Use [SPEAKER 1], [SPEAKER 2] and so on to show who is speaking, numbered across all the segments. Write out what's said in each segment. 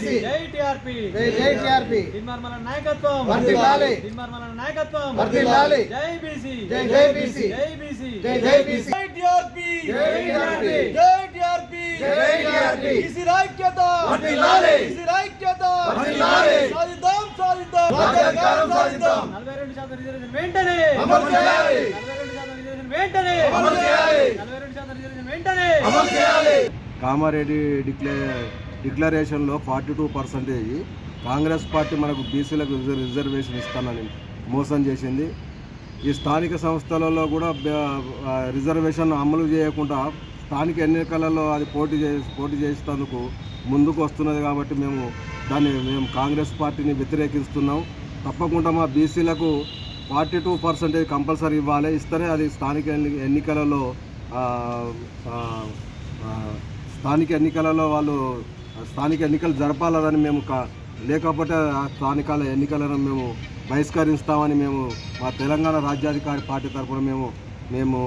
[SPEAKER 1] జై టిఆర్పి
[SPEAKER 2] జై టిఆర్పి
[SPEAKER 1] దిన్మార్మల నాయకత్వం
[SPEAKER 2] వర్ధిల్లాలి
[SPEAKER 1] దిన్మార్మల నాయకత్వం
[SPEAKER 2] వర్ధిల్లాలి
[SPEAKER 1] జై బీసీ
[SPEAKER 2] జై బీసీ
[SPEAKER 1] జై బీసీ
[SPEAKER 2] జై బీసీ
[SPEAKER 1] జై టిఆర్పి
[SPEAKER 2] జై టిఆర్పి
[SPEAKER 1] జై టిఆర్పి
[SPEAKER 2] జై టిఆర్పి
[SPEAKER 1] బీసీ ఐక్యత
[SPEAKER 2] వర్ధిల్లాలి
[SPEAKER 1] బీసీ ఐక్యత
[SPEAKER 2] వర్ధిల్లాలి
[SPEAKER 1] సాధిద్దాం
[SPEAKER 2] రాజ్యాధికారం సాధిద్దాం
[SPEAKER 1] 42% రిజర్వేషన్ వెంటనే
[SPEAKER 2] అమలు చేయాలి
[SPEAKER 1] 42% రిజర్వేషన్ వెంటనే
[SPEAKER 2] అమలు చేయాలి
[SPEAKER 1] 42% రిజర్వేషన్ వెంటనే
[SPEAKER 2] అమలు చేయాలి
[SPEAKER 3] కామారెడ్డి డిక్లరేషన్లో 42% కాంగ్రెస్ పార్టీ మనకు బీసీలకు రిజర్వేషన్ ఇస్తానని మోసం చేసింది. ఈ స్థానిక సంస్థలలో కూడా రిజర్వేషన్ అమలు చేయకుండా స్థానిక ఎన్నికలలో అది పోటీ చేసేందుకు ముందుకు వస్తున్నది. కాబట్టి మేము కాంగ్రెస్ పార్టీని వ్యతిరేకిస్తున్నాం. తప్పకుండా మా బీసీలకు 42% కంపల్సరీ ఇవ్వాలి. ఇస్తేనే అది స్థానిక ఎన్నికలలో వాళ్ళు స్థానిక ఎన్నికలు జరపాలని మేము లేకపోతే స్థానిక ఎన్నికలను మేము బహిష్కరిస్తామని మేము మా తెలంగాణ రాజ్యాధికారి పార్టీ తరఫున మేము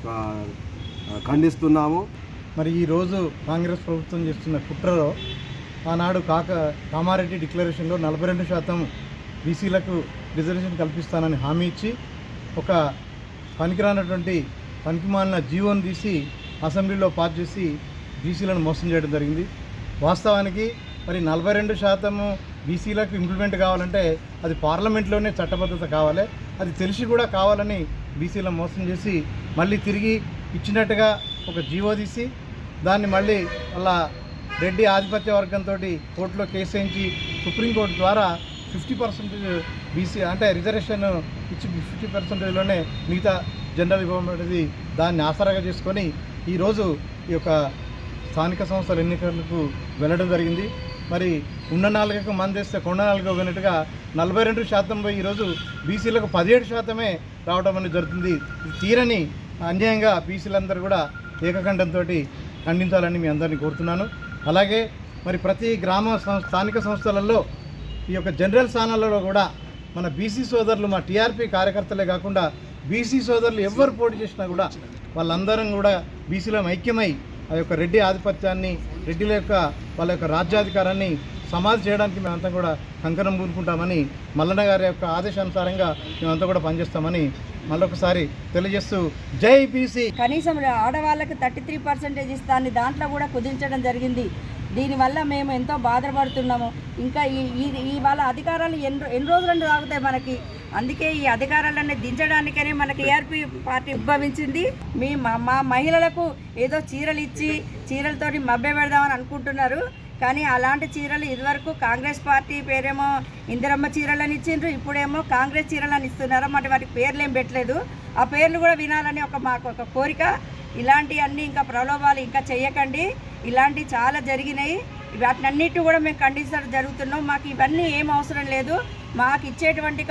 [SPEAKER 3] ఖండిస్తున్నాము.
[SPEAKER 4] మరి ఈరోజు కాంగ్రెస్ ప్రభుత్వం చేస్తున్న కుట్రలో ఆనాడు కామారెడ్డి డిక్లరేషన్లో 42% బీసీలకు రిజర్వేషన్ కల్పిస్తానని హామీ ఇచ్చి ఒక పనికిరానటువంటి పనికిమాలిన జీవోను తీసి అసెంబ్లీలో పాస్ చేసి బీసీలను మోసం చేయడం జరిగింది. వాస్తవానికి మరి 42% బీసీలకు ఇంప్లిమెంట్ కావాలంటే అది పార్లమెంట్లోనే చట్టబద్ధత కావాలి. అది తెలిసి కూడా కావాలని బీసీలను మోసం చేసి మళ్ళీ తిరిగి ఇచ్చినట్టుగా ఒక జీవో తీసి దాన్ని మళ్ళీ అలా రెడ్డి ఆధిపత్య వర్గంతో కోర్టులో కేసు వేయించి సుప్రీంకోర్టు ద్వారా 50% బీసీ అంటే రిజర్వేషన్ ఇచ్చి 50%లోనే మిగతా జనరల్ ఇవ్వబడేది దాన్ని ఆసరాగా చేసుకొని ఈరోజు ఈ యొక్క స్థానిక సంస్థల ఎన్నికలకు వెళ్ళడం జరిగింది. మరి ఉన్న నాలుగకు మందేస్తే కొండ నాలుగు పోయినట్టుగా 42% పోయి ఈరోజు బీసీలకు 17% రావడం అనేది జరుగుతుంది. ఇది తీరని అన్యాయంగా బీసీలందరూ కూడా ఏకకంఠంతో ఖండించాలని మీ అందరినీ కోరుతున్నాను. అలాగే మరి ప్రతి స్థానిక సంస్థలలో ఈ యొక్క జనరల్ స్థానాలలో కూడా మన బీసీ సోదరులు మా టీఆర్పీ కార్యకర్తలే కాకుండా బీసీ సోదరులు ఎవరు పోటీ చేసినా కూడా వాళ్ళందరం కూడా బీసీలో ఐక్యమై ఆ యొక్క రెడ్డి ఆధిపత్యాన్ని రెడ్డిల యొక్క వాళ్ళ యొక్క రాజ్యాధికారాన్ని సమాధి చేయడానికి మేమంతా కూడా కంకణం పూనుకుంటామని మల్లన్న గారి యొక్క ఆదేశానుసారంగా మేమంతా కూడా పనిచేస్తామని మళ్ళొకసారి తెలియజేస్తూ జై బీసీ.
[SPEAKER 5] కనీసం ఆడవాళ్ళకి 33% ఇస్తాన్ని దాంట్లో కూడా కుదించడం జరిగింది. దీనివల్ల మేము ఎంతో బాధపడుతున్నాము. ఇంకా ఈ వాళ్ళ అధికారాలు ఎన్ని రోజులు ఆగుతాయి మనకి. అందుకే ఈ అధికారాలన్నీ దించడానికనే మన టీఆర్పీ పార్టీ ఉద్భవించింది. మా మహిళలకు ఏదో చీరలు ఇచ్చి చీరలతోటి మభ్య పెడదామని అనుకుంటున్నారు. కానీ అలాంటి చీరలు ఇదివరకు కాంగ్రెస్ పార్టీ పేరేమో ఇందిరమ్మ చీరలని ఇచ్చిండ్రు, ఇప్పుడేమో కాంగ్రెస్ చీరలని ఇస్తున్నారు. వాటికి పేర్లు ఏం పెట్టలేదు. ఆ పేర్లు కూడా వినాలని మాకు ఒక కోరిక. ఇలాంటివన్నీ ఇంకా ప్రలోభాలు ఇంకా చెయ్యకండి. ఇలాంటివి చాలా జరిగినాయి. వాటినన్నిటి కూడా మేము ఖండించడం జరుగుతున్నాం. మాకు ఇవన్నీ ఏం అవసరం లేదు. మాకు ఇచ్చేటువంటి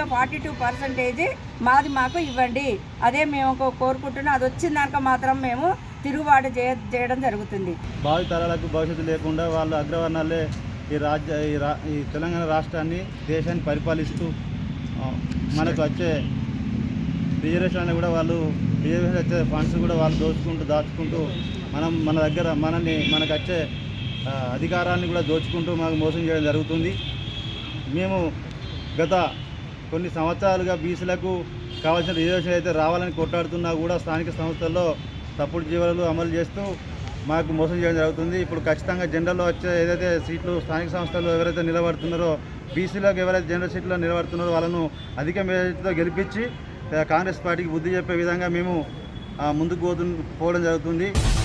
[SPEAKER 5] 42% మాకు ఇవ్వండి. అదే మేము కోరుకుంటున్నాం. అది వచ్చిన దానికి మాత్రం మేము తిరుగుబాటు చేయడం జరుగుతుంది.
[SPEAKER 4] భావి తరాలకు భవిష్యత్తు లేకుండా వాళ్ళు అగ్రవర్ణాలే ఈ తెలంగాణ రాష్ట్రాన్ని దేశాన్ని పరిపాలిస్తూ మనకు వచ్చే రిజర్వేషన్ కూడా వాళ్ళు రిజర్వేషన్ వచ్చే ఫండ్స్ కూడా వాళ్ళు దాచుకుంటూ మనకు వచ్చే అధికారాన్ని కూడా దోచుకుంటూ మాకు మోసం చేయడం జరుగుతుంది. మేము గత కొన్ని సంవత్సరాలుగా బీసీలకు కావాల్సిన రిజర్వేషన్ అయితే రావాలని కొట్లాడుతున్నా కూడా స్థానిక సంస్థల్లో తప్పుడు జీవోలు అమలు చేస్తూ మాకు మోసం చేయడం జరుగుతుంది. ఇప్పుడు ఖచ్చితంగా జనరల్లో వచ్చే ఏదైతే సీట్లు స్థానిక సంస్థల్లో ఎవరైతే నిలబడుతున్నారో బీసీలకు ఎవరైతే జనరల్ సీట్లో నిలబడుతున్నారో వాళ్ళను అధిక మెజారిటీతో గెలిపించి కాంగ్రెస్ పార్టీకి బుద్ధి చెప్పే విధంగా మేము ముందుకు పోవడం జరుగుతుంది.